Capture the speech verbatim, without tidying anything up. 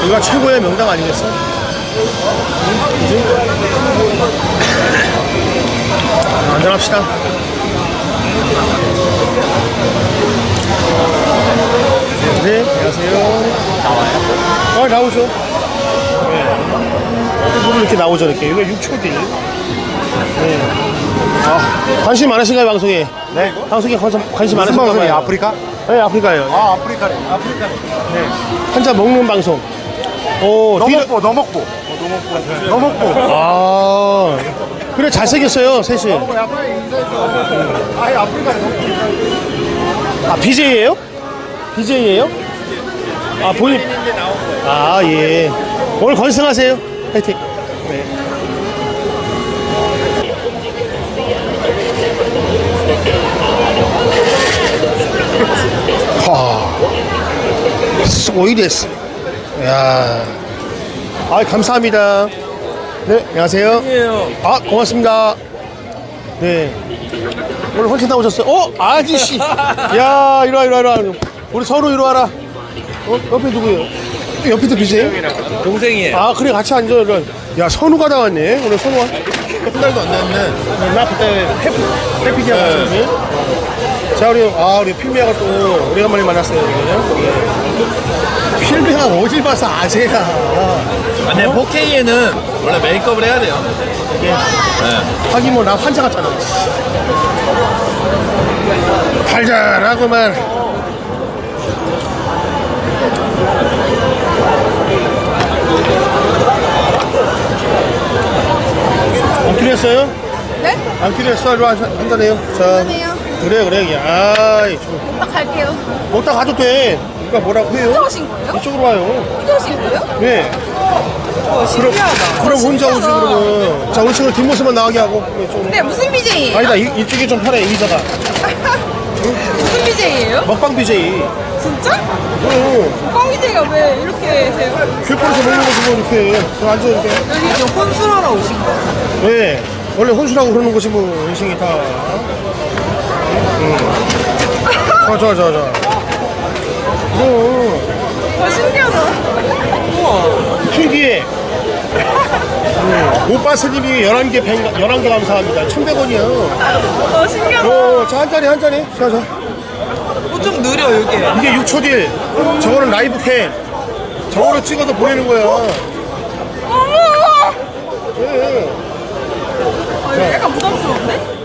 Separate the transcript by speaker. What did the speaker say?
Speaker 1: 여기가 최고의 명당 아니겠어? 그지? 안전합시다. 네, 안녕하세요. 나와요? 아, 나오죠. 네. 부분 이렇게 나오죠, 이렇게. 이거 육 초 딜. 네. 아, 관심 많으신가요, 방송에?
Speaker 2: 네.
Speaker 1: 방송에 관심, 관심
Speaker 2: 무슨
Speaker 1: 많으신가요?
Speaker 2: 방송이에요? 아프리카?
Speaker 1: 네, 아프리카요.
Speaker 2: 아, 아프리카래. 아프리카래.
Speaker 1: 네. 한자 먹는 방송. 오,
Speaker 2: 너먹보, 너먹보. 너먹보.
Speaker 1: 아, 그래, 잘생겼어요, 셋이.
Speaker 2: 아예 아프리카래.
Speaker 1: 아, 비제이예요? 비제이예요? 아, 본인. 아, 예. 오늘 건승하세요. 파이팅. 네. 하. 스고이데스. 야. 아, 감사합니다. 네, 안녕하세요. 아, 고맙습니다. 네. 오늘 헌신 나오셨어요. 어? 아저씨. 야, 이리와, 이리와, 이리와. 우리 서로 이리 와라. 어? 옆에 누구예요? 옆에도 비세요?
Speaker 3: 동생이에요.
Speaker 1: 아, 그래, 같이 앉아. 이리. 야, 선우가 나왔네. 오늘 선우가.
Speaker 2: 한 달도 안 됐네.
Speaker 1: 나 그때 해피, 해피디아 갔었지. 자, 우리, 아, 우리 필미아가 또 오래간만에 만났어요. 필미아 어딜 봐서 아재야.
Speaker 3: 아, 근데 포케이에는 원래 메이크업을 해야 돼요.
Speaker 1: 이게.
Speaker 3: 네.
Speaker 1: 하긴 뭐, 나 환자 같잖아. 달달하구만. 안 필요했어요?
Speaker 4: 네?
Speaker 1: 안 필요했어. 이리 와, 한잔해요. 자.
Speaker 4: 미안해요.
Speaker 1: 그래, 그래. 아이, 좀.
Speaker 4: 오빠 갈게요.
Speaker 1: 먹다 가도 돼. 누가 뭐라고 해요?
Speaker 4: 혼자 오신 거예요?
Speaker 1: 이쪽으로 와요.
Speaker 4: 혼자 오신 거예요?
Speaker 1: 네.
Speaker 4: 와, 신기하다.
Speaker 1: 그럼 혼자 오지,
Speaker 4: 신기하다.
Speaker 1: 그러면. 자, 우리 친구 뒷모습만 나가게 하고. 이쪽으로.
Speaker 4: 네, 무슨 비제이예요?
Speaker 1: 아니다, 이, 이쪽이 좀 편해, 의자가.
Speaker 4: 무슨 비제이예요?
Speaker 1: 먹방 비제이.
Speaker 4: 진짜?
Speaker 1: 응.
Speaker 4: 꽝 비제이가 왜 이렇게 해요?
Speaker 1: 귤포에서 먹는 거 보고 이렇게. 여기 앉아, 이렇게.
Speaker 4: 여기 지금 혼술하러 오신 거예요?
Speaker 1: 네. 원래 혼술하고 그러는 것이 뭐, 인생이 다. 응. 자, 자, 자, 자. 뭐,
Speaker 4: 와, 신기하다. 우와.
Speaker 1: 신기해. 응. 오빠 스님이 열한 개, 열한 개 감사합니다. 천백 원이야.
Speaker 4: 와, 신기하다.
Speaker 1: 어, 자, 한 잔에, 한 잔에. 자, 자.
Speaker 4: 어, 좀 느려, 이게.
Speaker 1: 이게 육 초 딜. 저거는 라이브 캠. 저거를 찍어서 보내는 거야.
Speaker 4: 어머!
Speaker 1: 예.
Speaker 4: 아, 이거 약간 부담스러운데?